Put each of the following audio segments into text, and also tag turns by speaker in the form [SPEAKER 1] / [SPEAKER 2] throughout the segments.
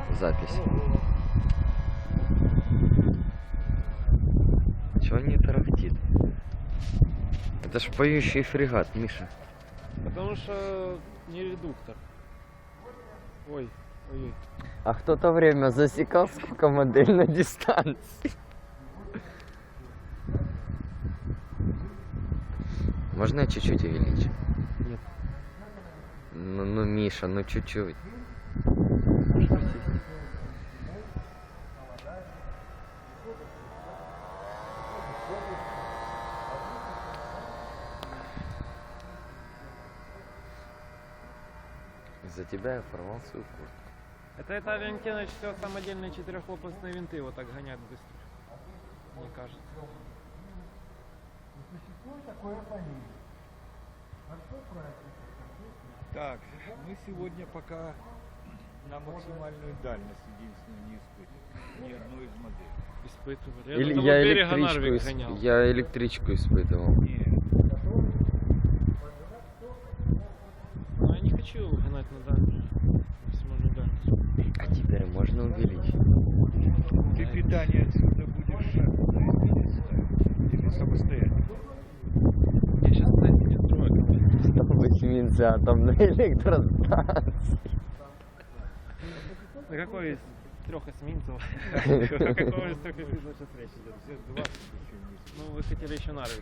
[SPEAKER 1] запись. Чего не тарахтит? Это ж поющий фрегат, Миша.
[SPEAKER 2] Потому что не редуктор. Ой, ой.
[SPEAKER 1] А кто-то время засекал, сколько модель на дистанции. Можно я чуть-чуть увеличу?
[SPEAKER 2] Нет.
[SPEAKER 1] Ну, Миша, ну чуть-чуть.
[SPEAKER 2] Можешь присесть.
[SPEAKER 1] Из-за тебя я порвал свою куртку.
[SPEAKER 2] Это Авиантена все самодельные четырехлопастные винты вот так гонят быстро. Мне кажется.
[SPEAKER 3] Так, мы сегодня пока на максимальную дальность единственную не испытывали. Ни одной из моделей.
[SPEAKER 2] Испытывали.
[SPEAKER 1] Или
[SPEAKER 2] до того
[SPEAKER 1] я
[SPEAKER 2] берега
[SPEAKER 1] электричку,
[SPEAKER 2] Нарвик гонял.
[SPEAKER 1] я электричку испытывал.
[SPEAKER 3] Нет.
[SPEAKER 2] Но я не хочу гнать на дальность. Максимальную дальность.
[SPEAKER 1] А теперь можно увеличить?
[SPEAKER 3] Ты питание отсюда будешь на ставить? Или самостоятельно?
[SPEAKER 2] Я сейчас, кстати, не строю.
[SPEAKER 1] Стал быть нельзя атомной электростанции.
[SPEAKER 2] На какой из трех эсминцев? О какой из трех эсминцев сейчас речь идет?
[SPEAKER 3] Все 20 еще не
[SPEAKER 2] Ну, вы хотели еще Нарвик.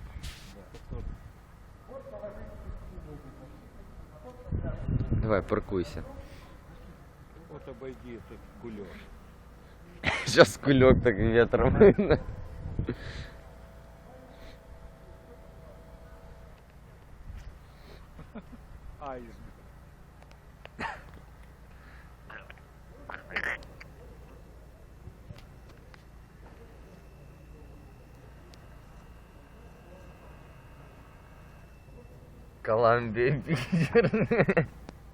[SPEAKER 1] Давай, паркуйся.
[SPEAKER 3] Вот обойди этот кулек.
[SPEAKER 1] Сейчас кулек так ветром.
[SPEAKER 3] Айсберг.
[SPEAKER 1] Колумбия, Питер.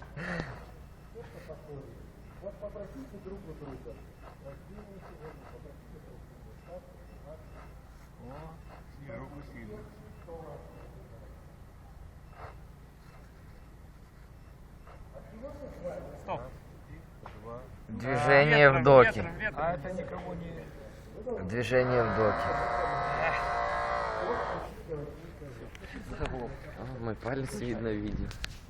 [SPEAKER 3] О, снежок усилился.
[SPEAKER 2] Стоп.
[SPEAKER 3] Два.
[SPEAKER 1] Движение в доке.
[SPEAKER 3] А это никого не...
[SPEAKER 1] Движение в доке. Мой палец видно в видео.